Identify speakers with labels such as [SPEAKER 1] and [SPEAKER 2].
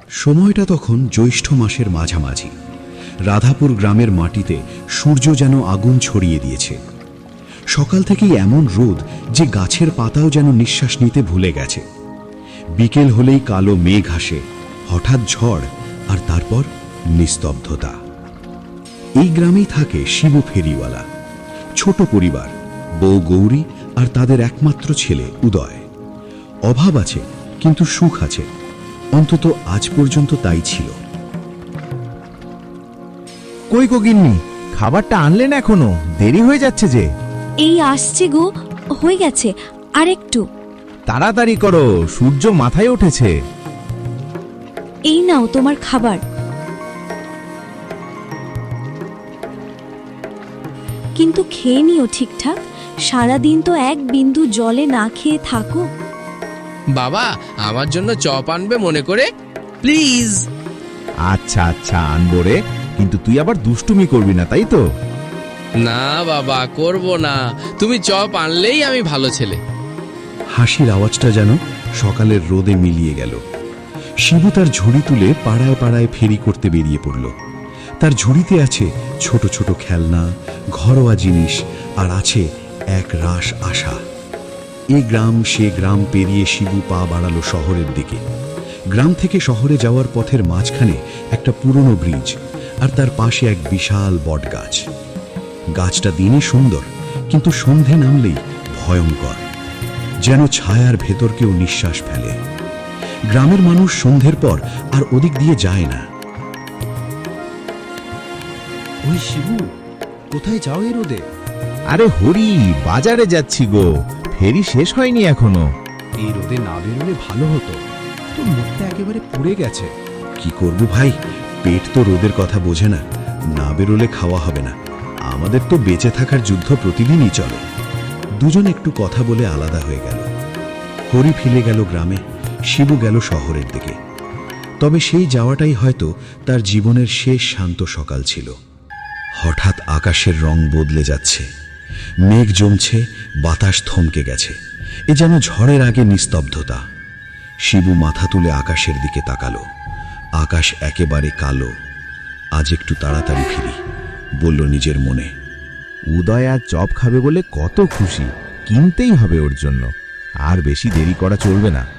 [SPEAKER 1] সময়টা তখন জ্যৈষ্ঠ মাসের মাঝামাঝি। রাধাপুর গ্রামের মাটিতে সূর্য যেন আগুন ছড়িয়ে দিয়েছে। সকাল থেকেই এমন রোদ যে গাছের পাতাও যেন নিঃশ্বাস নিতে ভুলে গেছে। বিকেল হলেই কালো মেঘ আসে, হঠাৎ ঝড়, আর তারপর নিস্তব্ধতা। এই গ্রামেই থাকে শিবু ফেরিওয়ালা। ছোট পরিবার, বউ গৌরী আর তাদের একমাত্র ছেলে উদয়। অভাব আছে, কিন্তু সুখ আছে, অন্তত আজ পর্যন্ত তাই ছিল।
[SPEAKER 2] কই গো গিন্নি, খাবারটা আনলেন এখনো? দেরি হয়ে যাচ্ছে যে।
[SPEAKER 3] এই আসছে গো, হয়ে গেছে, আর একটু।
[SPEAKER 2] তাড়াতাড়ি করো, সূর্য মাথায় উঠেছে।
[SPEAKER 3] এই নাও তোমার খাবার। কিন্তু খেয়ে নিও ঠিকঠাক, সারাদিন তো এক বিন্দু জলে না খেয়ে থাকো।
[SPEAKER 4] বাবা, আমার জন্য চপ আনবে মনে করে, প্লিজ।
[SPEAKER 2] আচ্ছা আচ্ছা, আনবো রে, কিন্তু তুই আবার দুষ্টুমি করবি না, তাই তো?
[SPEAKER 4] না বাবা, করব না, তুমি চপ আনলেই আমি ভালো ছেলে।
[SPEAKER 1] হাসির আওয়াজটা যেন সকালের রোদে মিলিয়ে গেল। শিবু তার ঝুড়ি তুলে পাড়ায় পাড়ায় ফেরি করতে বেরিয়ে পড়ল। তার ঝুড়িতে আছে ছোট ছোট খেলনা, ঘরোয়া জিনিস, আর আছে এক রাশ আশা। এই গ্রাম সে গ্রাম পেরিয়ে শিবু পা বাড়ালো শহরের দিকে। গ্রাম থেকে শহরে যাওয়ার পথের মাঝখানে একটা পুরনো ব্রিজ, আর তার পাশে এক বিশাল বটগাছ। গাছটা দিনে সুন্দর, কিন্তু সন্ধে নামলেই ভয়ঙ্কর, যেন ছায়ার ভেতর কেউ নিঃশ্বাস ফেলে। গ্রামের মানুষ সন্ধ্যের পর আর ওদিক দিয়ে যায় না।
[SPEAKER 5] ওই শিবু, কোথায় যাও এই রোদে?
[SPEAKER 2] আরে হরি, বাজারে যাচ্ছি গো, ফেরি শেষ হয়নি এখনো।
[SPEAKER 5] এই রোদে না বেরোলে ভালো হতো, তোর মুখটা একেবারে পুড়ে গেছে।
[SPEAKER 1] কি করব ভাই, পেট তো রোদের কথা বোঝে না, না বেরোলে খাওয়া হবে না। আমাদের তো বেঁচে থাকার যুদ্ধ প্রতিদিনই চলে। দুজন একটু কথা বলে আলাদা হয়ে গেল। হরি ফিরে গেল গ্রামে, শিবু গেল শহরের দিকে। তবে সেই যাওয়াটাই হয়তো তার জীবনের শেষ শান্ত সকাল ছিল। হঠাৎ আকাশের রং বদলে যাচ্ছে, মেঘ জমছে, বাতাস থমকে গেছে। এ যেন ঝড়ের আগে নিস্তব্ধতা। শিবু মাথা তুলে আকাশের দিকে তাকালো। আকাশ একেবারে কালো। আজ একটু তাড়াতাড়ি ফিরি, বলল নিজের মনে।
[SPEAKER 2] উদয় আজ চপ খাবে বলে কত খুশি, কিনতেই হবে ওর জন্য। আর বেশি দেরি করা চলবে না।